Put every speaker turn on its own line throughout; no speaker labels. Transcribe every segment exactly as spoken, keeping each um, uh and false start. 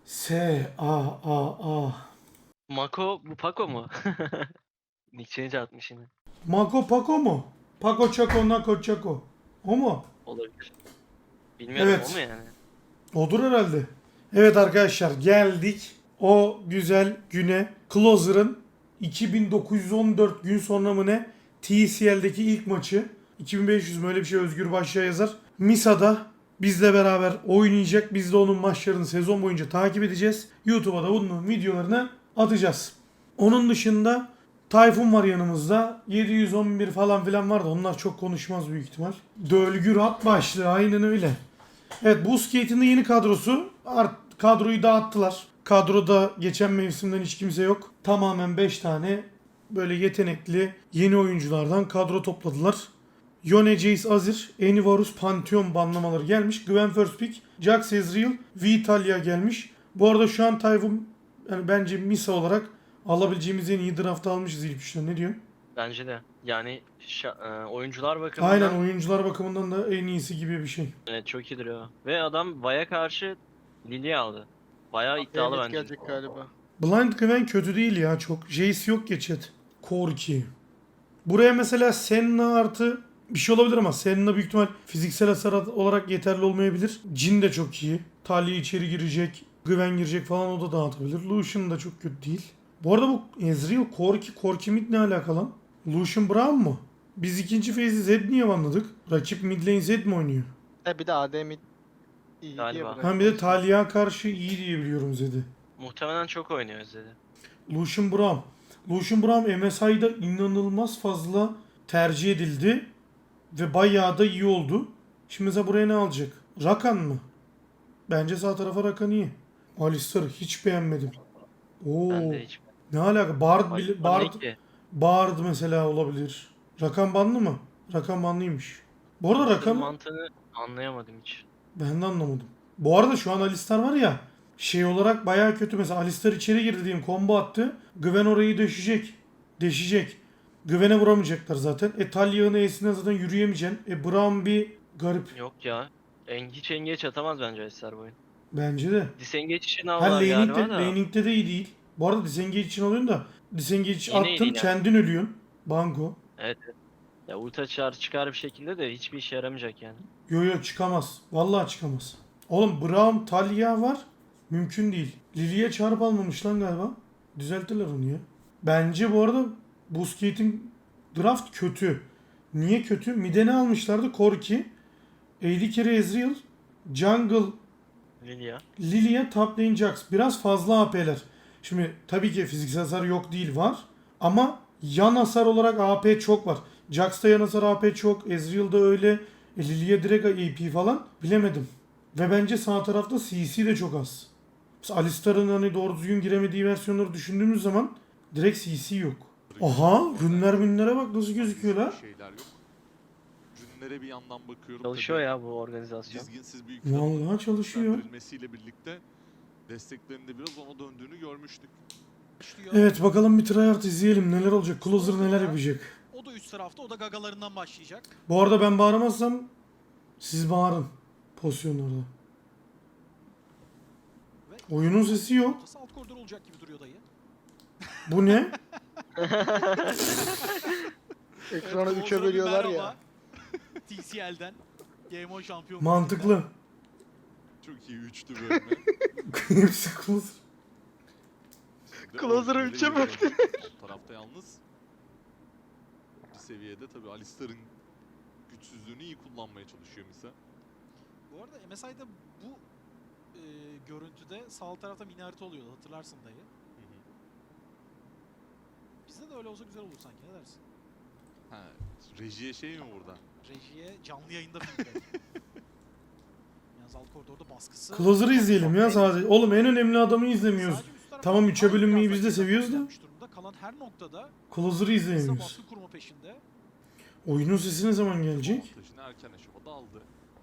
S A A A.
Mako bu Paco mu? Nick change atmış yine.
Mako Paco mu? Paco Chaco Nako Chaco. O mu?
Olabilir. Bilmiyorum o mu
Evet.
yani?
Odur herhalde. Evet arkadaşlar geldik o güzel güne. Closer'ın iki bin dokuz yüz on dört gün sonra mı ne T C L'deki ilk maçı. iki bin beş yüz mü öyle bir şey Özgür Başya yazar. Misa'da bizle beraber oynayacak. Biz de onun maçlarını sezon boyunca takip edeceğiz. YouTube'a da bunun videolarını atacağız. Onun dışında Tayfun var yanımızda. yedi yüz on bir falan filan vardı. Onlar çok konuşmaz büyük ihtimal. Dölgür at başlığı aynen öyle. Evet, Busquets'in de yeni kadrosu. Art, kadroyu dağıttılar. Kadroda geçen mevsimden hiç kimse yok. Tamamen beş tane böyle yetenekli yeni oyunculardan kadro topladılar. Yone, Jace, Azir, Enivarus, Pantheon banlamaları gelmiş. Gwen First Pick, Jax, Ezreal, Vitalia gelmiş. Bu arada şu an Tayfun yani bence Misa olarak alabileceğimiz en iyi draft almışız ilk üçten. Ne diyorsun?
Bence de. Yani şa- e, oyuncular bakımından
Aynen, oyuncular bakımından da en iyisi gibi bir şey.
evet, çok iyi duruyor. Ve adam Vay'a karşı Lilia aldı. Bayağı iddialı
Benet
bence.
gelecek galiba.
Blind Gwen kötü değil ya çok. Jace yok ya chat. Corki. Buraya mesela Senna artı bir şey olabilir ama Senna büyük ihtimal fiziksel hasar olarak yeterli olmayabilir. Jhin de çok iyi. Talia içeri girecek. Gwen girecek falan, o da dağıtabilir. Lucian da çok kötü değil. Bu arada bu Ezreal, Corki, Corki mid ne alaka lan? Lucian Brown mu? Biz ikinci phase'i Zed niye anladık? Rakip mid lane Zed mi oynuyor?
E bir de A D mid iyi diye
Galiba.
bırakmış.
Ben bir de Talia'ya karşı iyi diye biliyorum Zed'i.
Muhtemelen çok oynuyor Özdedi.
Lucian Brown. Lucian Brown M S I'da inanılmaz fazla tercih edildi. Ve bayağı da iyi oldu. Şimdi mesela buraya ne alacak? Rakan mı? Bence sağ tarafa Rakan iyi. Alistar'ı hiç beğenmedim. Oo.
Ben de hiç.
Ne alaka? Bard,
Ay,
bile-
o
Bard,
ne ki?
Bard mesela olabilir. Rakan banlı mı? Rakan banlıymış. Bu arada Rakan
Mantığını anlayamadım hiç.
ben de anlamadım. Bu arada şu an Alistar var ya, şey olarak bayağı kötü. Mesela Alistar içeri girdi diyeyim, combo attı. Gwen orayı deşecek. Deşecek. Gwen'e vuramayacaklar zaten. E Talia'nın E'sine zaten yürüyemeyeceksin. E Braum bir garip.
Yok ya. En, hiç engage atamaz bence Eser bu oyun.
Bence de.
Disengage için
Ha,
aldılar
laning'de,
galiba da.
laning'de de iyi değil. Bu arada disengage için alıyorsun da disengage
Yine iyi
attın
değil yani.
kendin ölüyorsun. Banko.
Evet. evet. Ya ulti çağır çıkar bir şekilde de hiçbir işe yaramayacak yani.
Yo yo, çıkamaz. Vallahi çıkamaz. Oğlum Braum, Talia var. Mümkün değil. Lily'ye çarp almamış lan galiba. Düzelttiler onu ya. Bence bu arada Busquets'in draft kötü. Niye kötü? Mid'e ne almışlardı? Corki, A D Carry Ezreal, Jungle
Lilia.
Lilia, top lane Jax. Biraz fazla A P'ler. Şimdi tabii ki fiziksel hasar yok değil, var. Ama yan hasar olarak A P çok var. Jax'ta yan hasar A P çok. Ezreal'da öyle. E, Lilia direkt A P falan. Bilemedim. Ve bence sağ tarafta C C de çok az. Mesela Alistar'ın hani doğru düzgün giremediği versiyonları düşündüğümüz zaman direkt C C yok. Aha, rünler rünlere bak nasıl gözüküyor la.
Şeyler yok. Rünlere bir yandan bakıyorum.
Çalışıyor
tabii.
ya bu organizasyon.
Dizginsiz büyük
Vallahi çalışıyor.
güçlendirilmesiyle birlikte desteklerinde biraz ona döndüğünü görmüştük.
Başlıyor.
Evet, bakalım bir tryhard izleyelim neler olacak. Closer neler yapacak.
O da üst tarafta, o da gagalarından başlayacak.
Bu arada ben bağıramazsam siz bağırın pozisyonlarda.
Ve
Oyunun sesi yok.
ortası alt koridor olacak gibi duruyor dayı.
Bu ne?
Ekranı
Evet,
üçe
Oğuzhan'a bir
bölüyorlar ya.
merhaba. T C L'den. Game on şampiyon.
Mantıklı.
Çok iyi üçlü bölme.
Hepsi closer.
Ve
Closer'ı
oyuncuları
üçe
görüyorum.
böldü.
O tarafta yalnız bir seviyede tabii Alistar'ın güçsüzlüğünü iyi kullanmaya çalışıyor Misa.
Bu arada M S I'da bu e, görüntüde sağ alt tarafta mini harita oluyordu, hatırlarsın dayı.
Hı hı.
Bizde de öyle olsa güzel olur sanki, ne dersin?
Ha, rejiye şey mi burada?
Rejiye canlı yayında feedback. Yalnız alt koridorda baskısı...
Closer'ı izleyelim ya sadece. Oğlum en önemli adamı izlemiyoruz.
Sadece üst tarafta
Tamam, üçe
aynı
bölünmeyi
biraz
biz de
da
seviyoruz da.
yapmış durumda. Kalan her noktada
Closer'ı
Misa
izleyemiyoruz.
baskı kurma peşinde.
Oyunun sesi ne zaman gelecek?
Avantajını erken aşamada aldı.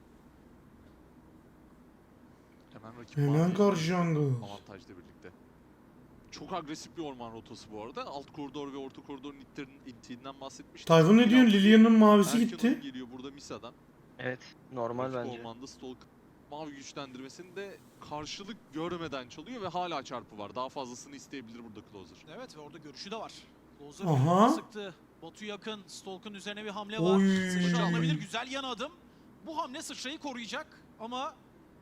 Hemen rakip
Hemen
mavi
karşı jungle.
avantajla birlikte. Çok agresif bir orman rotası bu arada. Alt koridor ve orta koridorun ittirin- ittiğinden bahsetmiştim.
Tayfun ne diyorsun? Lilian'ın mavisi
Erken
gitti.
oyun geliyor burada Misa'dan.
Evet. Normal
Rakip
bence.
Ormanda Stalk mavi güçlendirmesini de karşılık görmeden çalıyor ve hala çarpı var. Daha fazlasını isteyebilir burada Closer.
Evet ve orada görüşü de var. Closer
Aha.
sıktı. Batu yakın. Stalk'un üzerine bir hamle var.
Oy.
Sıçra alınabilir. Güzel yan adım. Bu hamle sıçrayı koruyacak ama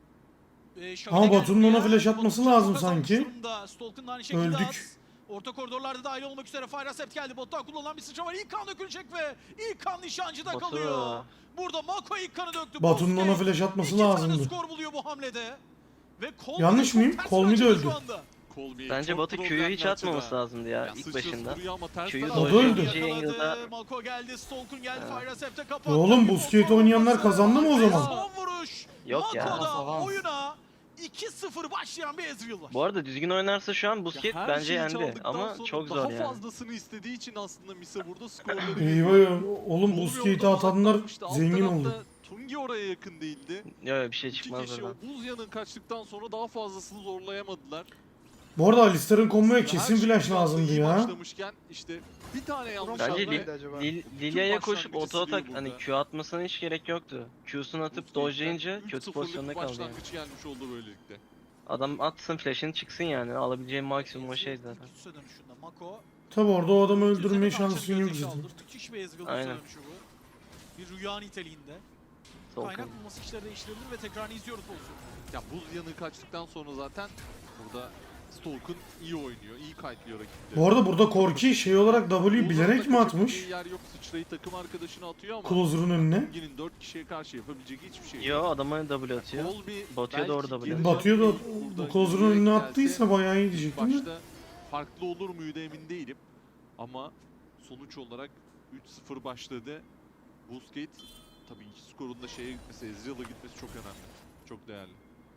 e, şöyle
Ama Batu'nun
geldi
ona
ya.
flash atması
Batu
lazım
çok kazanmış
sanki.
durumda. Stalk'un da aynı şekilde
Öldük.
az. Orta koridorlarda dahil olmak üzere Fire Sept geldi. Batu'dan kullanılan bir sıçra var. İlk kan dökülecek ve ilk kan nişancıda
Batu.
kalıyor. Burada Mako ilk kanı döktü.
Batu'nun
Busquets
ona flash atması
iki tane
lazımdı.
skor buluyor bu hamlede. Ve Colby
Yanlış
çok
mıyım?
ters
Colby de
açıldı
öldü.
şu anda.
Colby
Bence
çok
Batu Q'yu
problemli
hiç atmaması
açıda.
lazımdı ya,
Ya
ilk
sıçrası
başında.
vuruyor ama ters
Q'yu
taraftan
O da öldü.
dojlayınca
Yakaladı.
Angle'da
Malko geldi. Stalk'un geldi.
Ha.
Fire Sept'e kapattı.
E oğlum,
Bir
bu skate
kontrol
oynayanlar
olması.
kazandı mı o
Ve
zaman?
Son vuruş.
Yok ya.
Mako'da
Avans.
oyuna iki sıfır başlayan bir Ezreal var.
Bu arada düzgün oynarsa şu an
Ya
Busquets
her
bence
şeyi
yendi
çaldıktan
ama
sonra
çok
daha
zor yani.
fazlasını istediği için aslında Misa burada skorları
Eyvah ya. Oğlum bu skate'i atanlar zengin oldu.
Tungi oraya yakın değildi.
Yok bir şey
İki
çıkmaz
kişi o
oradan.
buz yanın kaçtıktan sonra daha fazlasını zorlayamadılar.
Bu arada Alistar'ın komboya
Her
kesin
şey
flash
şu anda
lazımdı
iyi
ya.
başlamışken işte bir tane yanlış
Bence
hamle-
Lil-
Neydi acaba?
Lil- Lilia'ya koşup
başlangıcı
auto atak
siliyor
hani
burada.
Q atmasına hiç gerek yoktu. Q'sunu atıp
Busquets'ten
dojlayınca
üç
kötü
sıfırlık
pozisyonda kaldı yani.
başlangıç gelmiş oldu böylelikle.
Adam atsın flash'ını çıksın yani. Alabileceği maksimum o şey zaten.
İlk üste dönüşünde Mako.
Tabi orada o adamı
Üzerine
öldürmeye
karşı
şansın yok
gözyaşı
zaten.
aldı. Müthiş bir Ezreal
Aynen.
dönüşü bu. Bir rüya niteliğinde.
Solkan.
Kaynak bulması işleri değiştirebilir ve tekrarını izliyoruz pozisyonu.
Ya buz yanı kaçtıktan sonra zaten burada Stalk'un iyi oynuyor, iyi kayıtlıyor rakipleri.
Bu arada burada Korki şey olarak W bilerek mi atmış?
Yer yok, sıçrayı takım arkadaşına atıyor ama
Closer'ın önüne.
Tungi'nin dört kişiye karşı yapabileceği hiçbir şey yok.
Yo adama W atıyor.
Colby
Batıyor da
belki
orada bile.
geri
Batıyor da
dönmeyi
bu
burada
Closer'ın önüne
yürüyerek
attıysa
gelse
bayağı iyi
ilk
diyecektim de.
başta farklı olur muydu emin değilim. Ama sonuç olarak üç sıfır başladı. Busquets tabii iki skorun da şeye gitmesi, Ezreal'a gitmesi çok önemli. Çok değerli.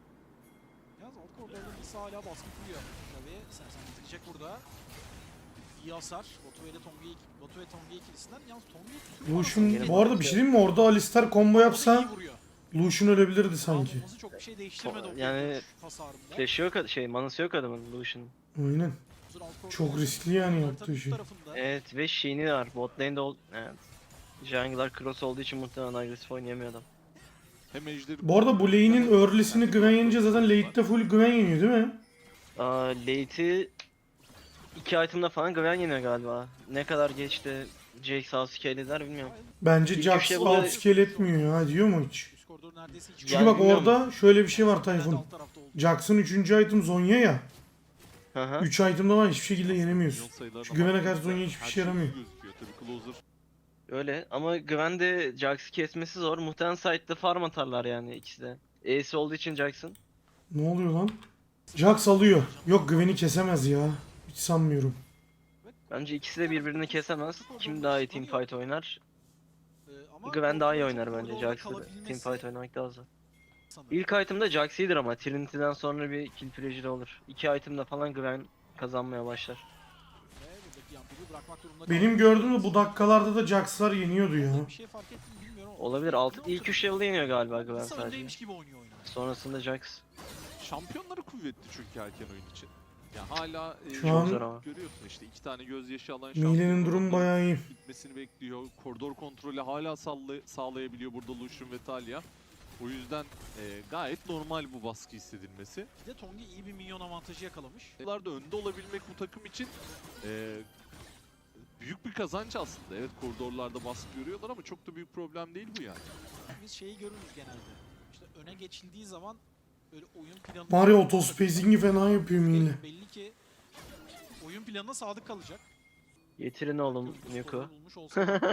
Yalnız alt koridorda Nisa hala baskı kuruyor. Tabii Sersen bitirecek burada. İyi hasar. Batu ile Tongi Batu ve Tongi ikilisinden. Yalnız Tongi
Lucian bu arada bir şey diyeyim mi? Orada Alistar combo yapsa Lucian ölebilirdi sanki.
Olması çok bir şey değiştirmedi o
Yani
yani hasarında.
Flash'ı yok şey manası yok adamın Lucian'ın.
Aynen.
Alt koridorda
Çok riskli yani
haritanın
yaptığı
üst
şey.
tarafında.
Evet ve Sheen'i var. Bot lane'de ol... Evet. Jungler cross olduğu için muhtemelen agresif oynayamıyor adam.
Hem ejderi
Bu arada bu lane'in early'sini Gwen yenince zaten late'de full Gwen yeniyor değil mi?
Aa, late'i iki item'da falan Gwen yeniyor galiba. Ne kadar geçti Jax outscale eder bilmiyorum.
Bence
İlk
Jax
üç level'da-
outscale etmiyor ya, diyor mu hiç?
Üst koridor neredeyse hiç.
Çünkü
Yani
bak
bilmiyorum.
orada şöyle bir şey var
Alt
Tayfun.
tarafta oldu.
Jax'ın üçüncü item Zonya ya.
Hı hı.
üç item'da var hiçbir şekilde yenemiyorsun.
milyon sayılarına
Şu güvene
baktığımızda
karşı Zonya hiçbir
her
şey yaramıyor.
gözüküyor. Tabii Closer
Öyle ama Gwen de Jax'ı kesmesi zor. Muhtemelen side'da farm atarlar yani ikisi de. Ace olduğu için Jax'ın.
Ne oluyor lan? Jax alıyor. Yok Gwen'i kesemez ya. Hiç sanmıyorum.
Bence ikisi de birbirini kesemez. Kim daha iyi teamfight oynar?
Ee, ama
Gwen daha iyi
koridorda
oynar
çok
bence.
koridorda
Jax'ı
kalabilmesi
teamfight oynamak daha zor.
sanırım.
İlk item'da Jax iyidir ama Trinity'den sonra bir kill pressure olur. İki item'da falan Gwen kazanmaya başlar.
Ve buradaki yampiri bırakmak durumunda
Benim
kaldı.
gördüğüm de bu dakikalarda da Jax'lar yeniyordu ya.
Bir şey fark ettim mi bilmiyorum ama.
Olabilir. Altı, ilk üç level'da yeniyor galiba Gwen
Nisa
sadece.
öndeymiş gibi oynuyor oyunu.
Sonrasında Jax.
şampiyonları kuvvetli çünkü erken oyun için. Ya hala e,
Şu an-
zor ama.
görüyorsun işte iki tane gözyaşı alan
Mile'nin
şampiyon
durumu
orada
bayağı iyi.
gitmesini bekliyor. Koridor kontrolü hala salla- sağlayabiliyor burada Lucian ve Talia. O yüzden e, gayet normal bu baskı hissedilmesi.
Bir de Tongi iyi bir minyon avantajı yakalamış.
Bunlarda önde olabilmek bu takım için e, büyük bir kazanç aslında. Evet koridorlarda baskı görüyorlar ama çok da büyük problem değil bu yani.
Biz şeyi görürüz genelde. İşte öne geçildiği zaman böyle oyun planı...
Var ya autospacing'i fena yapıyor Mile.
Belli ki oyun planına sadık kalacak.
Getirin oğlum
Kırmızı
Nuke'u.
skoru bulmuş olsa da.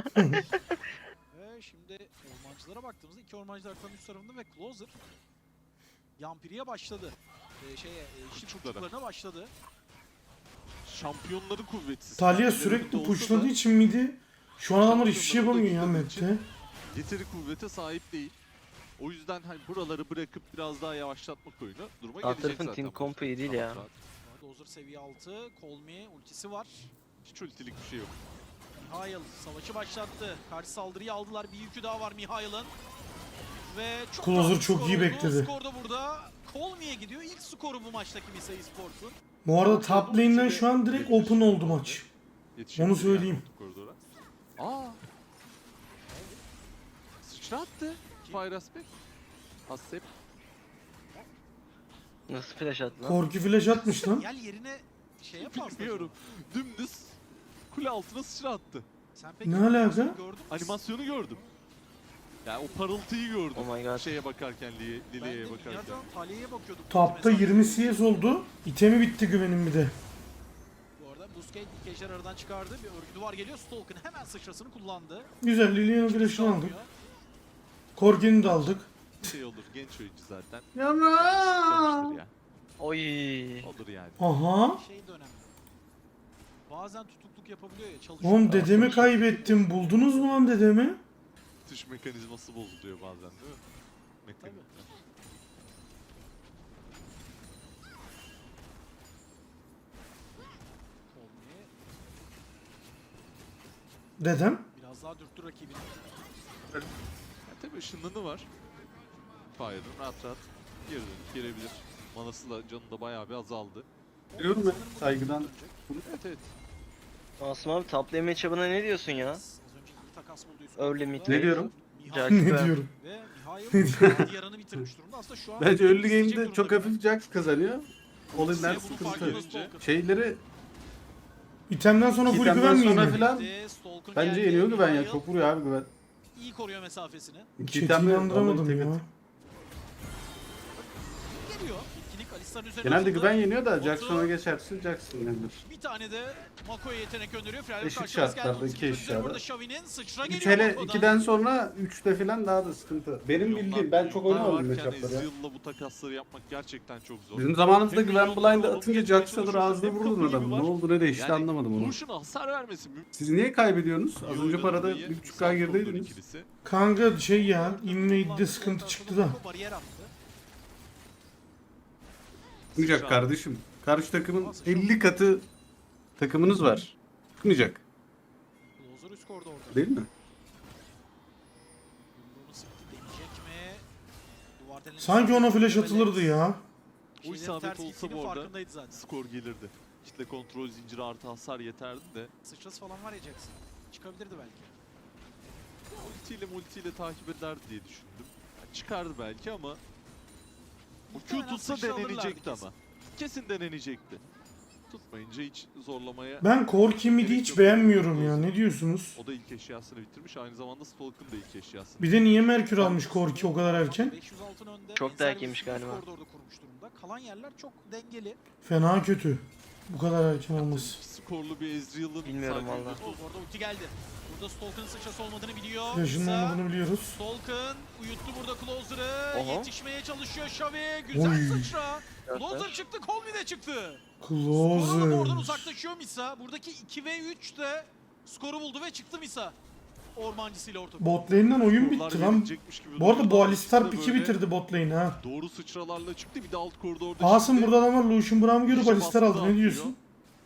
Ve şimdi ormancılara baktığımızda iki ormancı haritanın üst tarafında ve Closer Yampiri'ye başladı. Ee, şeye, e, işi
Uçuklara.
kurçuklarına başladı.
Şampiyonları kuvvetsiz.
Talia
Kendileri
sürekli
olsa
pushladığı
da
için midi şu an adamlar hiçbir şey yapamıyor ya
Şampiyonları da
map'te.
Yeteri kuvvete sahip değil. O yüzden hani buraları bırakıp biraz daha yavaşlatmak oyunu duruma
Alt
gelecek
tarafın
zaten.
team
bu
compu iyi değil
rahat
ya.
rahat.
Closer seviye altı. Colmy ultisi var.
Hiç ultilik bir şey yok.
Mihail savaşı başlattı. Karşı saldırıyı aldılar. Bir yükü daha var Mihail'ın. Ve çok
Closer
rahat bir
çok
skor
iyi
oldu.
bekledi.
Skor da burada Colmy'ye gidiyor. İlk skoru bu maçtaki Misa Esports'un.
Bu arada top lane'den şu an direkt open oldu maç.
Yetişebilir
Onu söyleyeyim.
yani koridora. Aa. Sıçra attı. Fire Aspect. Hasep.
Nasıl flash attı lan?
Korku flash atmış lan.
Gel yerine şey yapmaz.
Bilmiyorum. Dümdüz kule altına sıçra attı.
Sen peki
Ne
animasyonu
alaka?
gördün mü?
Animasyonu gördüm. Yani o parıltıyı gördüm.
Oh my god.
Şeye bakarken, Li-
Ben de
Lilia'ya bakarken.
dünyadan Talya'ya bakıyordum.
Tapta
Ulti
yirmi
mesafesi.
C S oldu. İtemi bitti güvenin bir de.
Bu arada Busquets ilk ejder aradan çıkardı. Bir örgü duvar geliyor. Stalk'ın hemen sıçrasını kullandı.
Güzel, Lilian'ın
İkisi
flash'ını aldık.
almıyor.
Korki'ni de aldık.
Şey olur, genç oyuncu zaten.
Yavrum.
Çıkamıştır ya.
Oy.
Olur yani.
Aha.
Şey de önemli. Bazen tutukluk yapabiliyor ya. Çalışıyor.
Oğlum dedemi kaybettim. Buldunuz mu lan dedemi?
Tuş mekanizması bozuluyor bazen değil mi? Mekanizma.
Olmayı
Dedem.
biraz daha dürttü rakibini.
Ya tabii ışınlanı var. Fire'ın rahat rahat geri dönüp gelebilir. Manası da canı da bayağı bir azaldı.
Biliyorum ben saygıdan.
Evet evet.
Asım abi top lane matchup'ına ne diyorsun ya?
Az önce iyi takas buldu Yusuf.
Early mid
Burada.
Ne diyorum?
Mihail
Jack-
Ne diyorum?
ve Mihail Diyar'ını bitirmiş durumda. Aslında şu an
Bence early
isteyecek
game'de çok
durumda.
hafif Jax kazanıyor. All in'ler
Size bunun farkında
sıkıntı.
Stalker.
Şeyleri
İtemden sonra full
itemden
güven mi
sonra
yeniyor?
filan
Ve Stalker
bence
geldi.
yeniyor güven ya.
Mihail
Çok vuruyor abi güven.
iyi koruyor mesafesini.
İki
Chat'i
itemle
inandıramadım
vallahi
ya.
tek-
Geliyor. İtkilik Alistar'ın üzerine
Genelde
atıldı.
güven yeniyor da
Botu-
Jax sonra geçersin Jax yenilir.
Bir tane de Mako'ya yetenek gönderiyor. Freyler
Eşit
karşılaştık.
şartlarda,
Geldi.
iki eşit
Burada
şartlarda.
Xavi'nin sıçra
üç
geliyor
hele
Mako'dan.
ikiden sonra üçte filan daha da sıkıntı. Benim
Milyonlar-
bildiğim ben çok
milyonlar
oynamadım
varken
matchup'ları ya.
Ezreal'la bu takasları yapmak gerçekten çok zor.
Bizim zamanımızda
Hem
güven
milyonlar
blind'ı
olup
atınca
geçmeye
Jax'a da
çalışıyorsun,
ağzına
hem
vururdun
kapı gibi
adamı.
var.
Ne oldu ne değişti
Yani
anlamadım onu.
Vuruşuna hasar vermesi mümkün.
Siz niye kaybediyorsunuz? Az
İyi
önce
oynadı
parada
diye
bir buçuk
saf
K
koridor
gerideydiniz.
ikilisi.
Kanka şey ya, invade'de sıkıntı çıktı da.
Mako bariyer attı.
Çıkmayacak kardeşim. Karşı takımın elli katı takımınız var. Çıkmayacak.
Closer üst koridorda.
Değil mi?
Yumruğunu sıktı. Deneyecek mi? Duvar deneni
Sanki ona flash
Evet.
atılırdı ya.
O
Şeylerin
isabet
ters
olsa
gittiğinin
bu arada
farkındaydı zaten.
skor gelirdi. Kitle kontrol zinciri artı hasar yeterdi de
Sıçrası falan var ya Jackson. Çıkabilirdi belki.
ultiyle multiyle takip eder diye düşündüm. Yani çıkardı belki ama o Q
Muhtemelen
tutsa
sıçra alırlardı
denenecekti
kesin.
ama. Kesin denenecekti. Tutmayınca hiç zorlamaya...
Ben Korki mid'i hiç beğenmiyorum ya. Ne diyorsunuz?
O da ilk eşyasını bitirmiş. Aynı zamanda Stalk'ın da ilk eşyasını.
Bir de niye Merkür almış Korki o kadar erken?
beş yüz altın önde.
Çok da
Ensar
erkenmiş
üst
galiba.
Koridorda kurmuş durumda. Kalan yerler çok dengeli.
Fena kötü. Bu kadar erken olması.
Skorlu bir Ezreal'ın
Bilmiyorum
sadece
valla.
Oh, orada ulti geldi. Burada Stalk'ın sıçrası olmadığını biliyor.
Flash'ın
Misa,
olmadığını biliyoruz.
Stalk'ın uyuttu burada Closer'ı.
Oha.
Yetişmeye çalışıyor Xavi. Güzel
Oy.
sıçra. Closer
Göster.
çıktı, Colby de çıktı. Skoru alıp oradan
Closer.
uzaklaşıyor Misa. Buradaki iki ve üç de skoru buldu ve çıktı Misa. Ormancısıyla orta.
Bot lane'den oyun
skorlar
bitti lan.
verilecekmiş gibi
Bu arada
duruyor.
bu
Ama
Alistar
ikisi de
piki
böyle
bitirdi bot lane'i ha.
Doğru sıçralarla çıktı. Bir de alt koridorda
Asım
şimdi
burada adamlar Lucian Brown'u görüp
iyice
Alistar aldı.
baskı
Ne diyorsun?
dağıtıyor.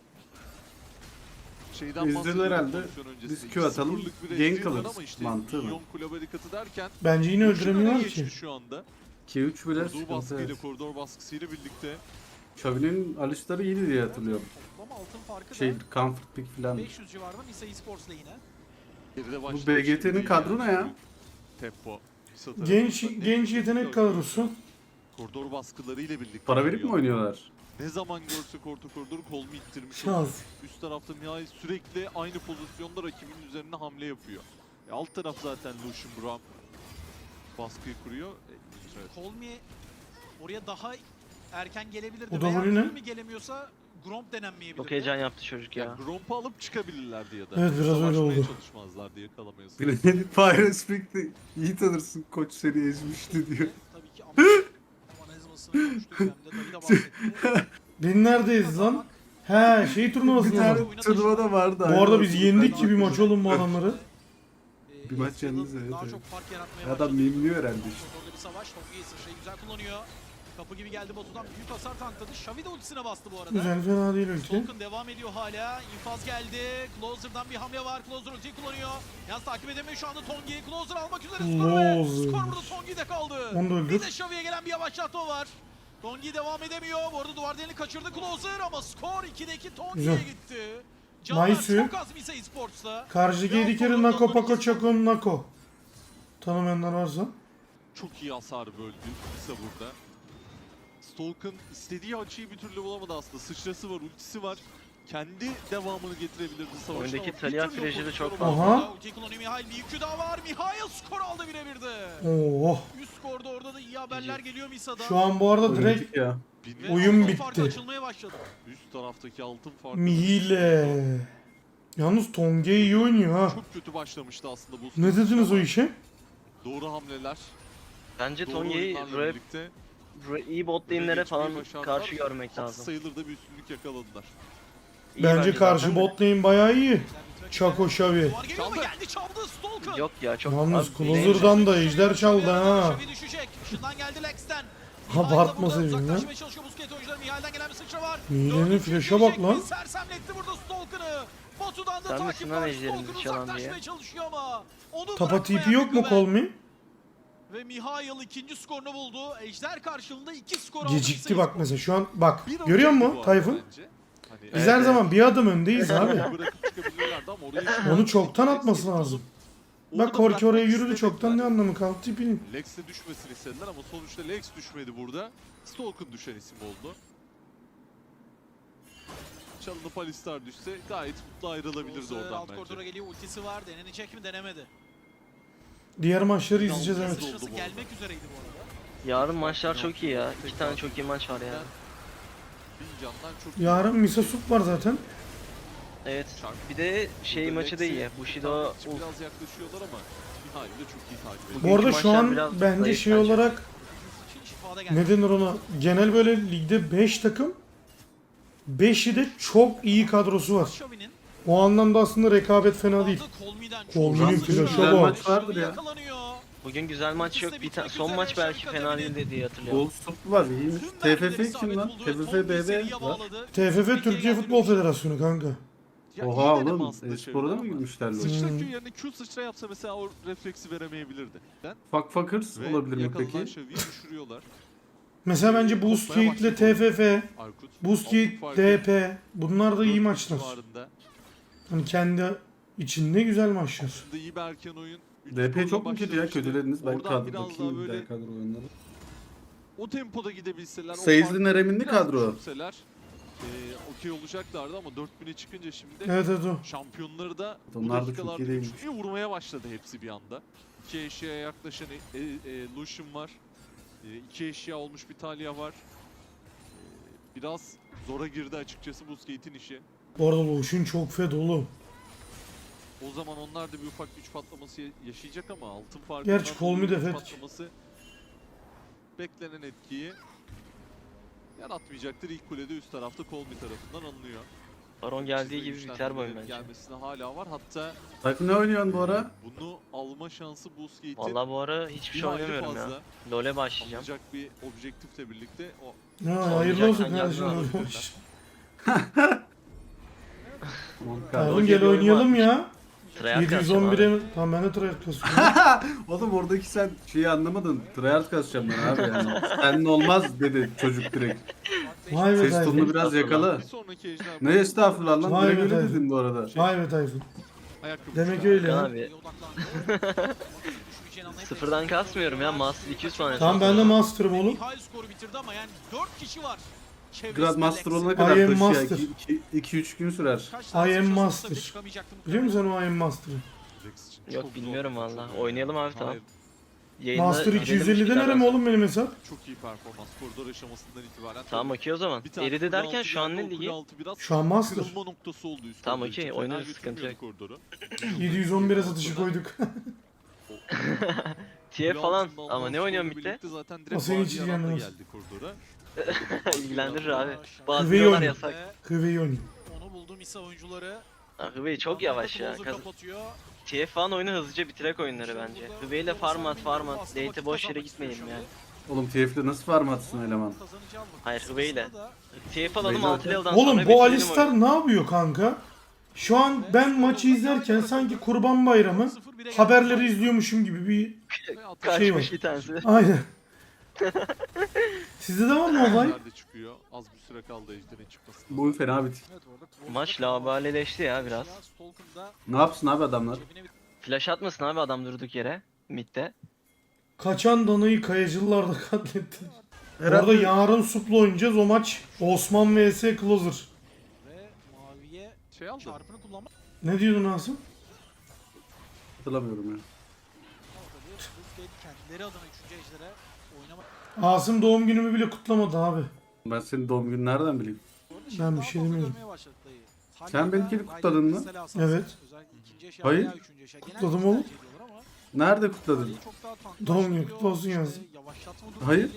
Şeyden
Ezreal
bahsediyorum
herhalde.
pozisyon öncesinde.
Biz Q
İki
atalım,
sıfırlık bir
gank
Ezreal var
alırız.
ama işte
Mantığı mı?
milyon kule barikatı derken
Bence yine
Lucian öne
öldüremiyorlar
geçti
ki.
şu anda.
Q üç bile
Koridor
sıkıntı.
baskıyla,
Evet.
koridor baskısıyla birlikte
Xavi'nin Alistar'ı iyiydi diye hatırlıyorum.
Toplam altın farkı
Şey
da
comfort pick falan.
beş yüz civarında Misa Esports lehine.
geride
Bu
başlamış
B G T'nin
gibi
kadro
yani.
ne ya?
Tempo. Kısa
Genç
tarafında
genç
en-
yetenek kadrosu.
Koridor baskılarıyla birlikte.
Para verip mi
geliyor.
oynuyorlar?
Ne zaman görse orta koridor kolunu ittirmiş.
Şans.
Üst tarafta Mihail sürekli aynı pozisyonda rakibinin üzerine hamle yapıyor. E, alt taraf zaten Lucian Brown baskıyı kuruyor. E, evet.
Colmy oraya daha erken gelebilirdi.
O da
Veya
golü ne?
Colmy gelemiyorsa Gromp denenmeyebilirdi.
Çok heyecan yaptı çocuk ya.
Yani Gromp'u alıp çıkabilirlerdi ya da.
Evet, biraz öyle
Savaşmaya
oldu.
çalışmazlardı yakalamaya.
Granny Fire Speak'te iyi tanırsın koç seni ezmişti diyor.
Tabii ki ama analizmasını konuştuk. Hem de David de bahsetti.
Biz neredeyiz lan? He şey
Bir
turnuvasında
tane
mı?
turnuva da vardı.
Bu
aynı
arada biz
ortada.
yendik ki bir maç oğlum bu adamları.
Ee,
Bir maç
Ezreal'ın
yalnız, evet,
Daha
evet.
çok fark yaratmaya
Adam
başladı.
mimliyor herhalde işte.
Orada bir savaş. Tongi sıçrayı güzel kullanıyor. Kapı gibi geldi Batu'dan büyük hasar tankladı. Xavi de ultisine bastı bu arada.
Güzel fena değil ülke.
Stalk'ın devam ediyor hala. İnfaz geldi. Closer'dan bir hamle var. Closer ultiyi kullanıyor. Yalnız takip edemiyor şu anda Tongi. Closer almak üzere skoru ve
Closer.
skor burada Tongi'de kaldı.
Onu da
Bir
öldür.
de Xavi'ye gelen bir yavaşlatma var. Tongi devam edemiyor. Bu arada duvar delini kaçırdı Closer ama skor ikide iki Tongi'ye
Güzel.
gitti. Canlar
Nice.
çok az Misa Esports'ta.
Karşıdaki
Ve
yedi kere
o
Nako
koridordan
Pako
ikisi-
Çakon Nako. Tanımayanlar varsa.
Çok iyi hasar böldü Misa burada. Stalk'ın istediği açıyı bir türlü bulamadı aslında. Sıçrası var, ultisi var. Kendi devamını getirebilirdi savaşta.
Oyundaki
ama bir
Talia
türlü
Frejeri
pozisyon
çok
olamadı.
Aha.
Ultiyi kullanıyor Mihail. Bir yükü daha var. Mihail skor aldı birebirde.
Oh.
Üst skorda orada da iyi haberler geliyor Misa'dan.
Şu an bu arada
Oyun
direkt
bitti ya.
Bin-
Ve
oyun
altın farkı
bitti.
açılmaya başladı.
Üst taraftaki altın farkı.
Mihile. Yalnız Tonge iyi oynuyor ha.
Çok kötü başlamıştı aslında bu.
Ne dediniz o
ama
işe?
Doğru hamleler.
Bence
Doğru
Tonye'yi
oyunlarla
buraya,
birlikte
buraya iyi bot lane'lere
geçmeyi
falan
başardılar.
karşı görmek
Haksız
lazım.
sayılır da bir üstünlük yakaladılar.
İyi
Bence karşı
zaten de.
bot lane bayağı iyi. Çako Şavi.
Duvar geliyor mu?
Çaldı.
Geldi çaldı Stalker.
Yok ya çok...
Yalnız
Abi,
Closer'dan da ejder çaldı ha.
Şavi düşecek. Işından geldi Lex'ten.
Abartma
Mihail de burada
sevdim ya.
uzaklaşmaya çalışıyor Busquets oyuncuları. Mihail'den gelen bir sıçra var.
Mihile'nin
Dördüncü
flash'a
girecek
bak lan.
mi? Sersemletti burada Stalker'ı. Batu'dan da
Sen
takip
misin lan
var.
ejderimizi
Stalker
çalan
uzaklaşmaya
diye?
çalışıyor ama onu
Tapa
bırakmayan
T P yok mu
Güven.
Kolmi?
Ve Mihail ikinci skorunu buldu. Ejder karşılığında iki skor aldı.
Gecikti bak mesela şu an bak.
Bir
Görüyor
önceki bu
musun
arada
Tayfun?
bence. Hani
Biz
Evet,
her
evet.
zaman bir adım öndeyiz abi.
bırakıp çıkabilirlerdi ama oraya şu an
Onu çoktan
Lex'le
atması
gidiyordu.
lazım.
Orada
Bak Korki
bırakmak
oraya yürüdü
istemediler.
çoktan, ne anlamı kaldı tipinin.
Lex'e düşmesini istediler ama sonuçta Lex düşmedi burada. Stalk'ın düşen isim oldu. Çalınıp Alistar düşse gayet mutlu ayrılabilirdi
Closer
oradan
alt koridora
bence.
geliyor. Ultisi var. Denenecek mi? Denemedi.
Diğer maçları izleyeceğiz
Yalnız
evet.
oldu
Sıçrası
bu arada.
gelmek üzereydi bu arada.
Yarın maçlar çok iyi ya. İki tane çok iyi maç var ya.
Bin candan çok iyi.
Yarın Misa Sup var zaten.
Evet. Bir de şey
Burada
maçı da
Lex'i
iyi. Bushido
takip için
Uf.
biraz yaklaşıyorlar ama Mihail de çok iyi takip ediyor.
Bu
Bugünkü
arada şu
maçlar
an
biraz
bence
zayıf
şey
bence.
olarak
Sıçrı şifada geldi.
ne denir ona? Genel böyle ligde beş takım, beşi de çok iyi kadrosu var.
Şavi'nin
O anlamda aslında rekabet fena değil.
Kolmi'den çok
Kolmi'nin
güzel
flash'a
sıçra.
bak.
Maç vardır ya.
Yakalanıyor.
Bugün güzel maç yok. Bir ta- son maç belki fena değildi diye hatırlıyorum.
Gold Stop var iyiymiş.
Tüm
T F
mermileri
F kim
isabet
lan?
buldu.
T F
Tongi
F B B
seriye
var.
bağladı.
T F F
Türkiye
Türkiye
geldi.
Futbol Federasyonu kanka.
Ya iyi
Oha
deneme
oğlum.
aslında
E-spor'a da
çevirdi
mı
ama
girmişler lan?
Sıçra
Hmm.
Q yerine Q sıçra yapsa mesela o refleksi veremeyebilirdi. Ben
Fuck Fuckers
ve
olabilir mi
yakalanan
peki?
Şavi'yi düşürüyorlar.
Mesela bence Boostgate ile T F F,
Arkut.
Boostgate,
altın farkı
D P bunlar da iyi
dört
maçlar.
civarında.
Hani kendi içinde güzel maçlar.
Aslında iyi bir erken oyun. Üç
D P
skorla
çok mu kötü ya?
başlamıştı.
Kötülediniz. Ben
Oradan
kadro
biraz daha
bakayım
böyle
diğer kadro oyunları.
o tempoda gidebilseler. o
Seyizli
farkı
Nerem'in
biraz
kadro.
düşürseler, eee, okey olacaklardı ama dört bine çıkınca şimdi
Evet evet o.
şampiyonları da bu
Onlar da çok
dakikalarda
iyi değilmiş.
üçlüye vurmaya başladı hepsi bir anda. İki eşyaya yaklaşan e, e, Lucian var. E, iki eşya olmuş bir Talia var. E, biraz zora girdi açıkçası Busquets'in işi.
Bu arada Loşun çok fed oğlum.
O zaman onlar da bir ufak güç patlaması ya- yaşayacak ama altın farkı.
Gerçi Kolmi de fed.
patlaması beklenen etkiyi yaratmayacaktır. İlk kulede üst tarafta Kolmi tarafından alınıyor.
Baron geldiği gibi
Güçlendirmelerin
biter bu oyun bence.
Gelmesine hala var. Hatta
Tayfun ne oynuyorsun bu ara?
bunu alma şansı Busquets'in
Vallahi bu ara hiçbir
bir
şey
hayli
oynamıyorum ya.
fazla.
LoL'e başlayacağım.
Alacak bir objektifle birlikte o
Ha, hayırlı olsun
Oynayacaksan
kardeşim.
yardım
hayırlı
al.
olsun.
Kadro
Oğlum gel
geliyor
oynayalım
varmış.
ya.
Tryhard kasacağım abi.
yedi yüz on bire tamam ben de tryhard kasıyorum.
Oğlum oradaki sen şeyi anlamadın. Tryhard kasacağım ben abi yani. Senin olmaz dedi çocuk direkt.
Vay be
Ses
Tayfun.
tonunu biraz yakala.
bir sonraki ejder.
Ne estağfurullah lan.
Vay
Direkt
be
öyle
Tayfun.
dedin bu arada.
Vay be Tayfun.
Ayakkabı
Demek
çıkar.
öyle
Hakan
ya.
abi
Düşmeyeceğini anlayıp
sıfırdan kasmıyorum ya. Master iki yüz falan.
Tamam ben de master'ım oğlum.
Mihail skoru bitirdi ama yani dört kişi var. Çevresinde
Grandmaster
Lex.
olana
I
kadar
am
taşı ya.
master.
iki üç gün sürer.
Kaç
I
tane
am
sıçrası
master.
olsa bile çıkamayacaktı
Biliyor
muhtemelen.
musun sen o I am master'ı?
Lex için çok
Yok
zor,
bilmiyorum
çok
valla.
zor.
Oynayalım abi tamam.
Hayır,
Yayında
Master
girelim
iki yüz elli
bir
denerim
yerden.
oğlum benim hesap.
Çok iyi performans koridor aşamasından itibaren.
Tamam okey o zaman.
Bir tane
Eridi
kule
derken
altı
şu an
geldi,
ne
o kule
ligi?
altı biraz
Şu an master.
kırılma noktası oldu üst
Tamam,
koridor
okey,
için. Fena
oynarız, sıkıntı
götürmüyordu
yok.
koridoru.
yedi yüz on bire satışa koyduk.
T F
Kule
falan
altında
ama
alınan
ne oynuyorsun
skorla
bitti?
birlikte Zaten
O
direkt
senin
Vadi
hiç
Yaran da
ilgilenmez.
geldi koridora.
İlgilendirir abi.
Hıveyi
Bazıları
oynuyor.
yasak.
Hıveyi oynuyor.
Onu buldu Misa oyuncuları.
Ha, Hıvey çok yavaş ya.
Closer
Kaz-
kapatıyor.
T F falan oyunu hızlıca bitirek oyunları bence. Hıvey ile farm at farm at. Late'e boş yere gitmeyelim yani.
Oğlum T F'de nasıl farm atsın eleman?
Kazanacağım mı?
Hayır, Hıvey ile.
Kısasında da
T F alalım
Hıvey
altı
zaten-
level'dan sonra
Oğlum bu
bitirelim
Alistar
oyunu.
ne yapıyor kanka? Şu an ben maçı izlerken sanki Kurban Bayramı
sıfır bire geldi.
haberleri izliyormuşum gibi bir şey var.
Kaçmış bir tanesi.
Aynen. Sizde de var mı olay?
Ejder de çıkıyor. Az bir süre kaldı Ejder'in çıkmasına.
Bu oyun fena bitik.
Evet, bu arada Closer'da
Maç
kaldı.
laubalileşti ya biraz.
Stalker'da
Ne yapsın abi adamlar?
cebine bir
Flash atmasın abi adam durduk yere. Mid'de.
Kaçan danayı kayacılılar da katletti. Bu arada yarın Sup'la oynayacağız. O maç Osman vs Closer.
Ve maviye
Şey aldı.
çarpını kullanmak.
Ne diyordun Asım?
Hatırlamıyorum ya.
Ama tabii Busquets kendileri adına üçüncü ejdere oynamak.
Asım doğum günümü bile kutlamadı abi.
Ben senin doğum gününü nereden bileyim?
Ben bir şey demiyorum.
Sen benimkini kutladın mı?
Evet. Hayır. Kutladım oğlum.
Nerede kutladın?
Doğum günü kutlu olsun yazdım.
Hayır.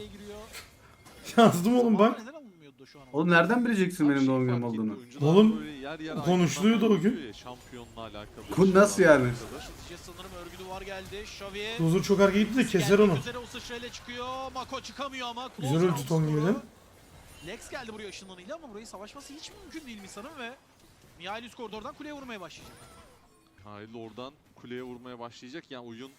Yazdım oğlum bak.
Oğlum nereden bileceksin benim doğum günüm olduğunu?
Oğlum, konuşuluyordu o gün.
Şampiyonla alakalı.
Bu nasıl yani?
Sanırım örgü duvar geldi. Xavi.
Closer çok arkaya gitti de keser onu.
Üzere o sıçrayla çıkıyor. Mako çıkamıyor ama.
Güzel
Closer
öldü
aldı
Tongi'den.
skoru. Lex geldi buraya ışınlanıyla ama burayı savaşması hiç mümkün değil Misa'nın ve Mihail üst koridordan kuleye vurmaya başlayacak.
Hayır oradan kuleye vurmaya başlayacak. Yani oyun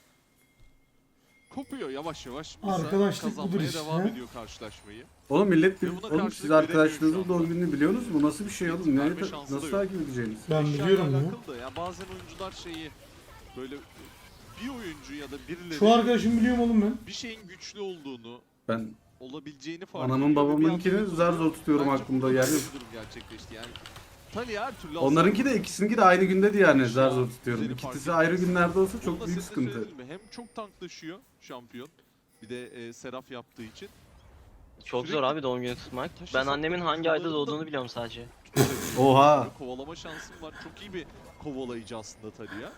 kopuyor yavaş yavaş.
Arkadaşlık
kazanmaya
budur işte.
devam ediyor karşılaşmayı.
Oğlum millet,
Ve buna
oğlum
karşılık
siz
veremiyor
arkadaşlarınızın
şu
doğum
anda.
gününü biliyorsunuz mu? Nasıl bir şey oğlum? Ne,
Verme şansı da
nasıl
yok.
takip edeceğiniz?
Ben
Eşyayla
biliyorum ya.
alakalı da yani bazen oyuncular şeyi böyle bir oyuncu ya da birileri
Şu arkadaşım biliyorum oğlum ben.
bir şeyin güçlü olduğunu,
Ben
olabileceğini fark
anamın
ediyor ve bir
babamınkini
anda
zar zor tutuyorum
Bence
aklımda
burada
yani.
bir durum gerçekleşti yani. Talia her türlü
Onlarınki de ikisininki de aynı günde yani zar zor tutuyorum.
Seni fark
İkisi
ettim.
ayrı günlerde olsa
Onu
çok
da
büyük
sesle
sıkıntı.
söyledim mi? Hem çok tanklaşıyor şampiyon. Bir de e, Seraf yaptığı için.
Çok
Sürekli
zor abi doğum günü tutmak.
taşı
Ben annemin
saklamak
hangi ayda
zorunda.
doğduğunu biliyorum sadece.
Oha.
Böyle kovalama şansım var. Çok iyi bir kovalayıcı aslında Talia.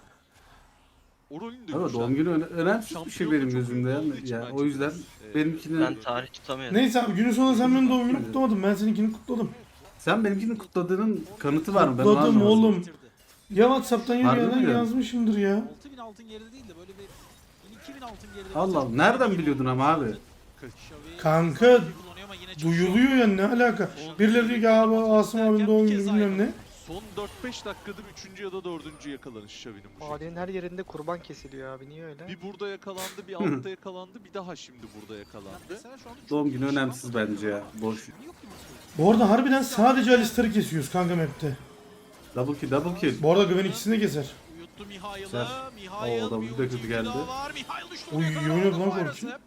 O rolünü de
Ama
güçlendirdi.
doğum günü öne- önemsiz bir şey
Şampiyonluğu
benim
çok
gözümde
büyük olduğu
yani.
için
yani
bence
o yüzden
e,
benimkini
Ben tarih tutamıyorum.
Neyse abi günün sonunda sen benim doğum günümü kutlamadın. Ben seninkini kutladım.
sen benimkini kutladığının kanıtı var mı? Ben onu
Kutladım
anlamadım.
oğlum.
Bitirdi.
Ya Whatsapp'tan ya bir
Harbi
yerden
mi?
yazmışımdır ya.
altı bin altın geride değil de böyle bir bin iki bin altın geride.
Allah Allah. Nereden biliyordun ama abi?
Xavi
Kanka,
kullanıyor ama yine çalışıyor.
Duyuluyor ya, ne alaka? Birileri diyor ki abi Asım abinin doğum günü bilmem ne.
Son dört beş dakikadır üçüncü ya da dördüncü yakalanış Xavi'nin bu şekilde.
Mahallenin her yerinde kurban kesiliyor abi. Niye öyle?
Bir burada yakalandı, bir altta yakalandı, bir daha şimdi burada yakalandı.
Mesela şu anda çok
Doğum
iyi
günü
bir şey
önemsiz
var.
bence ya. Boş.
Yok gibi söylüyor.
Bu arada harbiden sadece Alistar'ı kesiyoruz kanka map'te.
Double kill, double kill.
Bu arada Güven ikisini de keser.
Uyuttu Mihail'ı.
Güzel.
Mihail
Oo, da
bir
bu da kötü
ulti
geldi.
daha var. Mihail düştü.
Oy,
oraya kadar
iyi oynadı
aldı
lan
Fire
Korki.
Accept.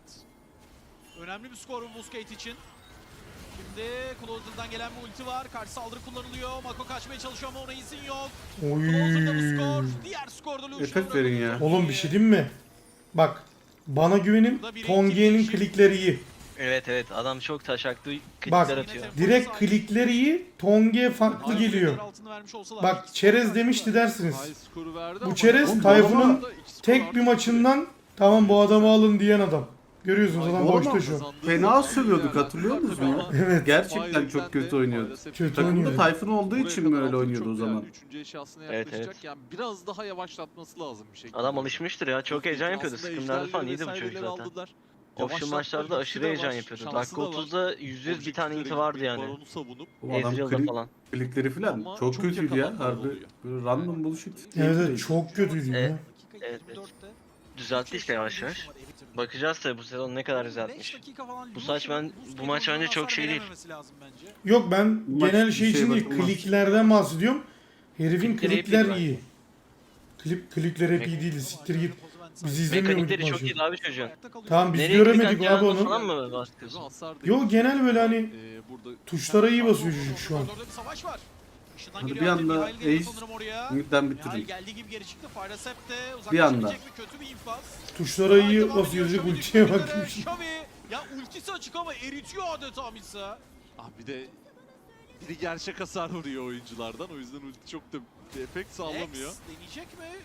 Önemli bir skor bu Busquets için. Şimdi Closer'dan gelen bir ulti var. Karşı saldırı kullanılıyor. Mako kaçmaya çalışıyor ama ona izin yok. Closer'da bu skor.
Oy.
Diğer skorda Lucian'ı
Efekt verin ya.
Oğlum bir şey diyeyim mi? Bak, bana güvenin, Tongi'nin klikleri iyi.
Evet evet adam çok taşaklı
Bak,
klikler atıyor.
direkt klikleri iyi, Tongi'ye farklı geliyor. Bak çerez demişti dersiniz.
High skoru verdi
Bu
ama-
çerez
Oğlum,
Tayfun'un
Borma
tek bir maçından tamam bu adamı alın diyen adam. Görüyorsunuz adam
Borma
boşta şu an.
Fena sövüyorduk, hatırlıyor musunuz ya?
Evet.
Gerçekten çok kötü oynuyordu.
Kötü
Takımda
oynuyor.
Tayfun olduğu için mi öyle oynuyordu o zaman?
Üçüncü eşyasına
Evet,
yaklaşacak.
evet.
Yani biraz daha yavaşlatması lazım bir şekilde.
Adam alışmıştır ya çok heyecan yapıyordu.
Aslında
Scrimlerde falan
ejderleri
iyiydi bu çocuk
vesaireleri
zaten.
aldılar.
Official
Yavaşlatma
maçlarda
lüksü
aşırı
de
heyecan
var,
yapıyordu.
şansı
Dakika
da var.
otuzda yüz yüz bir tane
Objektiflere
inti vardı
gitmek,
yani.
Baron'u savunup
O adam
Ezreal'da
klik,
falan.
klikleri falan
Ama
çok
çok
kötüydü ya
yakalanmalar
harbi.
oluyor.
Böyle random bullshit.
Evet evet çok kötüydü
Evet.
ya.
Evet, evet. Düzeltti işte yavaş yavaş. Bakacağız tabi bu sezon ne kadar düzeltmiş. Bu saç ben bu maç bence çok şey değil.
Yok ben
Maç
genel
bir
şey
şeye
için değil,
bakılmaz.
kliklerden bahsediyorum. Herifin
Klikleri hep
klikler
iyi
iyi. Klip, klikler hep iyi değildi, siktir git. Biz izlemiyor muyduk
Mekanikleri çok
maçı?
iyiydi abi çocuğun.
Tamam biz
Nereye
göremedik
klik
abi
atacağını
onu.
falan mı bahsediyorsun?
hasar değil.
Yok genel böyle hani
Ee, burada
tuşlara iyi basıyor çocuk şu an.
Bir savaş var. Işından
Hadi
geliyor
bir
artık,
anda
Mihail geliyor
Ace
sanırım oraya.
Midden
Mihail
bitirin.
geldiği gibi geri çıktı. Fire Accept de
Bir anda.
uzaklaşabilecek mi? Kötü bir infaz.
Tuşlara iyi
Devam
basıyor
ediyor,
çocuk,
Xavi
ultiye
düşmek
bak.
üzere. Xavi, ya ultisi açık ama eritiyor adeta Misa.
ah bir de biri gerçek hasar vuruyor oyunculardan. O yüzden ulti çok da bir efekt sağlamıyor.
Lex deneyecek mi?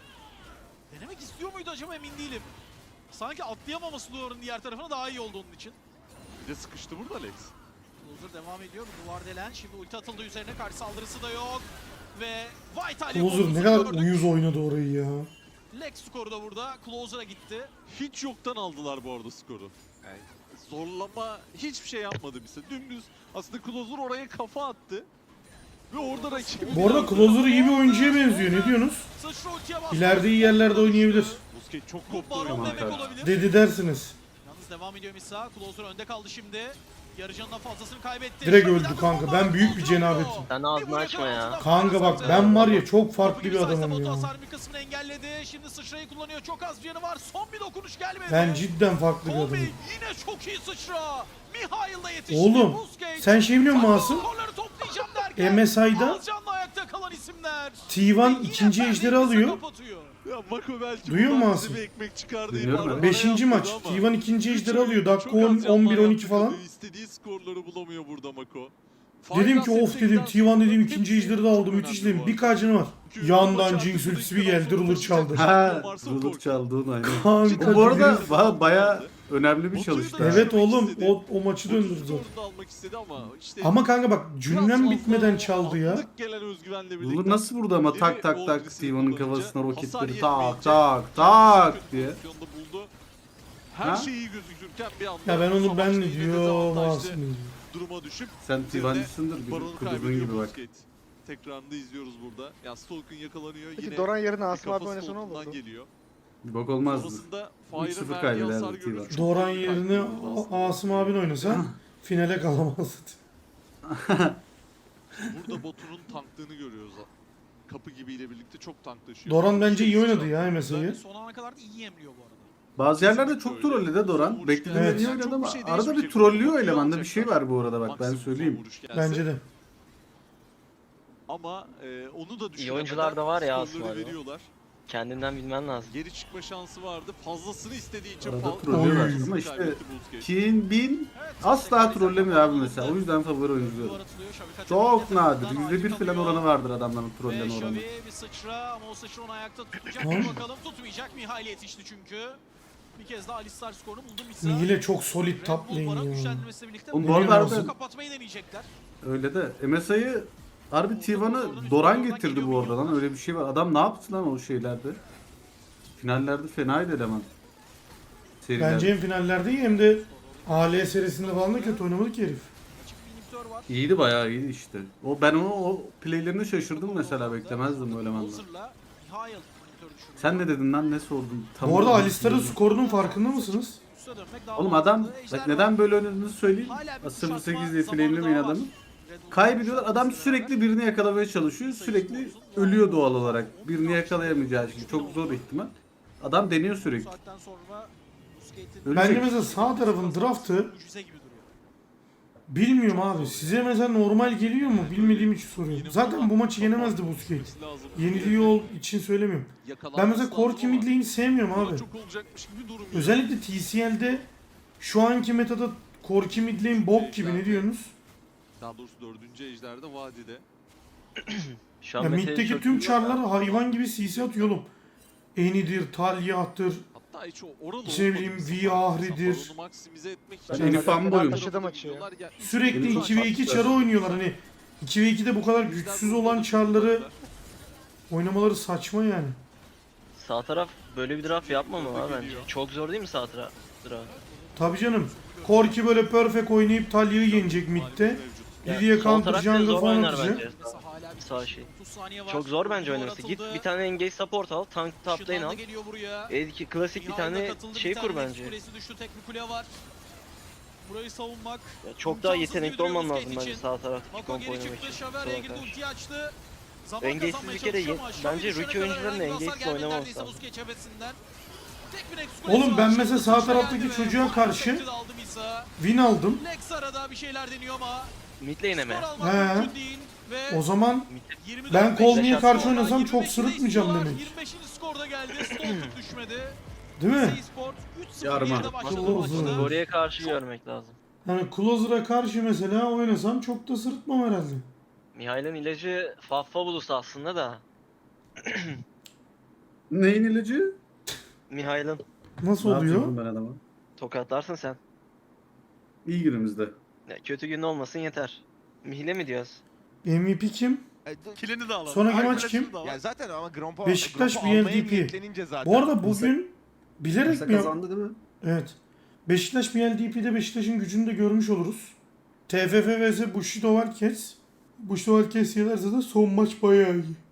Denemek istiyor muydu acaba emin değilim. Sanki atlayamaması duvarın diğer tarafına daha iyi oldu onun için.
Bir de sıkıştı burada Lex.
Closer devam ediyor. Bu duvar delen. Şimdi ulti atıldı üzerine. Karşı saldırısı da yok. Ve Vital
Closer ne kadar uyuz oynadı orayı ya.
Lex skoru da burada. Closer'a gitti.
Hiç yoktan aldılar bu arada skoru. Yani zorlama hiçbir şey yapmadı bize. Dümdüz aslında Closer oraya kafa attı. Ve orada rakibi...
Bu arada Closer iyi bir oyuncuya benziyor, ne diyorsunuz?
Sıçra ultiye bastı.
İleride iyi yerlerde oynayabilir.
Busquets çok
Bu
koptu
baron
oyundan.
demek olabilir.
Dedi dersiniz.
Yalnız devam ediyor Misa. Closer önde kaldı şimdi. Yarı canından fazlasını kaybetti.
Direkt
Şimdiden
öldü
de
kanka.
bomba
Ben büyük bir
kontrol
cenabet.
ediyor.
Sen ağzını açma ya.
Kanka bak ben var ya çok farklı bir adamım ya.
Hasar bir kısmını engelledi. Şimdi sıçrayı kullanıyor. Çok az canı var. Son bir dokunuş gelmedi.
Ben cidden farklı bir
Kobe
adamım.
yine çok iyi sıçra. Mihail da yetişti.
Oğlum
Busquets.
sen şey biliyor musun Asım?
Skorları toplayacağım derken
M S I'da
az canlı ayakta kalan isimler.
T bir
Ve yine
ikinci
perde
ejderi
arkası
alıyor.
kapatıyor.
Ya Mako belki
Duyuyor
buradan
musun
bize
Asım?
bir ekmek çıkar diye
Duyuyorum
bir
ben.
arada
Beşinci
yapmadı
maç.
ama
T bir ikinci
üç
ejderi
oyun
alıyor. Dakika
çok az
on,
yandan
on bir on iki
yaptı
falan.
kalıyor. İstediği skorları bulamıyor burada Mako.
Dedim ki
Final
of
set'te
dedim
giden
T bir dedim
skorların
ikinci
hepsi
ejderi de
çok
aldı.
önemli
Müthiş
bu
dedim.
arada.
Bir kacını var.
Çünkü
Yandan
maçı
Jinx
artık
ultisi bir
dakikadan
geldi.
sonra
Ruler
taşıyacak
çaldı.
bir
Ha,
şampiyon varsa o
rulut
korkuyor.
çaldığın aynen.
Kanka
Bu arada
herif-
ba- baya önemli bir
Batu'yu da
çalıştı.
Evet
düşürmek
oğlum
istedi.
o, o maçı
otuz
döndürdü.
skorunu da almak istedi ama işte
Ama kanka bak
biraz
cümlem
fazla
bitmeden
o
çaldı ya.
anlık gelen özgüvenle birlikte
Rulut nasıl vurdu ama tak tak
Levi
tak
Oldris'i
T bir'in
kullanınca
kafasına
hasar
roketleri
yetmeyince
tak tak tak
kötü
diye.
pozisyonda buldu. Her
Ha?
şey iyi gözükürken bir anda
Ya ben onu ben
savaşta
ne
yine
diyor
dezavantajlı
Masum.
duruma düşüp
Sen T bir'cisindir bir
baronu
kudurduğun
kaybediyor
gibi bak.
Busquets. Tekrarında izliyoruz burada. Ya Stalk'ın yakalanıyor
Peki
yine.
Doran yerine
bir
Asım abi
kafa
oynasa ne
Stalk'undan
olurdu?
geliyor.
Bir bok olmazdı.
Sonrasında
üç
Fire'ın
sıfır
verdiği
kaybederdi
hasar
T bir.
görüyoruz. Çok
Doran
iyi
yerine
kaybediyordu aslında.
Asım abin oynasa finale kalamazdı.
Burada Batu'nun tanklığını görüyoruz. Kapı gibiyle birlikte çok tanklaşıyor.
Doran bence iyi oynadı ya
Yani
M S I'yi.
son ana kadar da iyi emliyor bu arada.
Bazı yerlerde çok trollü de Doran. Beklediğimden
Evet.
iyi oynadı
Çok
ama
bir şey
arada bir
değişmeyecek.
trollüyor
Bakıyor
elemanda bir şey
alacaklar.
var bu arada bak ben
Maksimum
söyleyeyim.
vuruş gelse.
Bence de.
Ama e, onu da düşünemeden
oyuncular da var ya
skorları
aslında.
veriyorlar.
Kendinden bilmen lazım.
Geri çıkma şansı vardı. Fazlasını istediği için
Arada
fazla
trollüyorlar
fazlasını
ama işte
kaybetti Busquets.
Kin Bin
Evet,
asla
tekrar
trollemiyor abi
tekrar
mesela. O
alındı.
yüzden favori oyuncu
Duvar
diyorum.
atılıyor, Xavi kaçırdı.
Çok
Yine
nadir.
tarafından
yüzde bir
acil
falan
kalıyor.
oranı vardır adamların
Ve
trolleme oranı.
Xavi bir sıçra ama o sıçra onu ayakta tutacak
Tamam.
mı bakalım, tutmayacak. Mihail yetişti çünkü. Bir kez daha Alistar skorunu buldu Misa.
Mihile çok solid
Red
top
Bull
lane
Baron
ya.
güçlendirmesiyle birlikte
Oğlum
bu
bu arada
arada
harbiden-
kapatmayı deneyecekler.
Öyle de M S I'yi harbi T bir'ı Doran getirdi bu arada lan öyle bir şey var. Adam ne yaptı lan o şeylerde? Finallerde fenaydı eleman. Serilerde.
Bence hem finallerde iyi hem de A L serisinde falan da kötü oynamadı ki herif.
Açık bir inhibitor var.
İyiydi bayağı iyiydi işte. O ben onu o playlerine şaşırdım mesela beklemezdim o elemanda.
Bowser'la Mihail inhibitörü düşürdü.
Sen ne dedin lan ne sordun? Tam
Bu arada
olarak
Alistar'ın
bilmiyorum.
skorunun farkında mısınız?
Üste dönmek daha
Oğlum
mantıklı.
adam
Ejder
bak neden
var.
böyle oynadığını söyleyeyim.
Hala bir
Asır
kuşatma
sekiz diye
zamanı
flame'lemeyin
daha var.
adamı.
Red Bull
Kaybediyorlar. Adam
mücadelesi
sürekli birini yakalamaya çalışıyor. Sürekli ölüyor doğal olarak. Birini yakalayamayacağı için. Çok zor ihtimal. Adam deniyor
Bu
sürekli.
saatten sonra Busquets'in
Ölecek.
Bence mesela sağ tarafın draftı
mucize gibi duruyor.
bilmiyorum abi. Size mesela normal geliyor mu? Bilmediğim için soruyorum. Zaten bu maçı yenemezdi Busquets.
Lazım.
Yeniliyor için söylemiyorum. Ben mesela Corki mid lane'i sevmiyorum abi.
Çok olacakmış gibi durmuyor.
Özellikle T C L'de şu anki metada Corki mid lane bok gibi ne diyorsunuz?
Daha doğrusu dördüncü ejderde vadide.
Şu an
Ya
Mete'yi
middeki
çok
tüm
iyi-
çarlar hayvan gibi C C atıyor oğlum. Eni'dir, Talyah'tır.
Hatta hiç o oralı
İşte ne bileyim,
olmadı.
V Ahri'dir.
Baronu maksimize etmek
Ben
için-
Eni fanboyum.
taşıdı maçı ya.
Sürekli
Benim çok
iki ve iki
farklı.
çarı oynuyorlar hani. iki ve ikide bu kadar güçsüz olan çarları oynamaları saçma yani.
Sağ taraf böyle bir draft yapmamalı ha bence. Çok zor değil mi sağ taraf? Draft.
Tabii canım. Corki böyle perfect oynayıp Talyah'ı yenecek midde.
Ya,
Lidia
sol
counter
taraf bile
jungle
zor
falan
oynar
atacak.
bence.
Mesela hala bir
Sağ şey.
otuz saniye var.
Çok zor bence
Duvar
oynaması. Git
atıldı.
bir tane engage support al, tank top lane
Işınlandı
al.
geliyor buraya.
E, ki- klasik bir
Mihail de
tane
katıldı,
şey
bir tane
kur
Nexus
bence.
Kulesi düştü, tek bir kule var. Burayı savunmak.
Ya çok daha
imkansız
yetenekli
gibi duruyor
olman lazım
Busquets
bence
için.
sağ taraftaki
Mako
komp
geri
oynamak
çıktı,
için.
Xavi araya
Sola
girdi,
karşı.
ulti açtı. Zaman
Engage'siz
kazanmaya
bir kere
çalışıyor
ye-
ama Xavi
bence
düşene
rookie
kadar
oyuncuların
herhangi bir hasar
engage'siz
gelmedi
oynaması
neredeyse
lazım.
Busquets cephesinden. Tek bir Nexus Kulesi
Oğlum
var,
ben
şimdi
mesela sağ
sıçra
taraftaki
geldi ve
çocuğa
Fire
karşı
Protected aldı Misa.
Win aldım.
Lex arada bir şeyler deniyor ama
Mid lane'e mi?
skor almak
He.
mümkün değil ve
O zaman
yirmi dört
ben Colney'e
Beşiktaş
karşı
sonra
oynasam çok
yirmi beşinde
sırıtmayacağım
istiyorlar.
demek.
yirmi beşinci skorda geldi. Stalker düşmedi.
Değil mi?
Sport üç sıfır
Yarma.
geride başladı
Akıllı
maçta.
olsun.
Oraya karşı görmek lazım.
Hani Closer'a karşı mesela oynasam çok da sırıtmam herhalde.
Mihail'in ilacı Faffabulus aslında da.
Neyin ilacı?
Mihail'in
Nasıl
Ne
oluyor?
yapacağım ben adama?
tokatlarsın sen.
İyi günümüzde.
Ya, kötü gün olmasın yeter. Mihile mi diyoruz?
M V P kim?
Kilini de alalım.
Sonraki
Ay,
maç
kulesini
kim?
de alalım.
Ya zaten ama Grompo
Beşiktaş
Grompo
B L
almaya
D P.
niyetlenince zaten.
Bu arada bugün bilerek
Mesela
mi yap-
kazandı değil mi?
Evet. Beşiktaş B L D P'de Beşiktaş'ın gücünü de görmüş oluruz. T F F vs Bushido Varkes. Bushido Varkes yenerse de son maç bayağı iyi.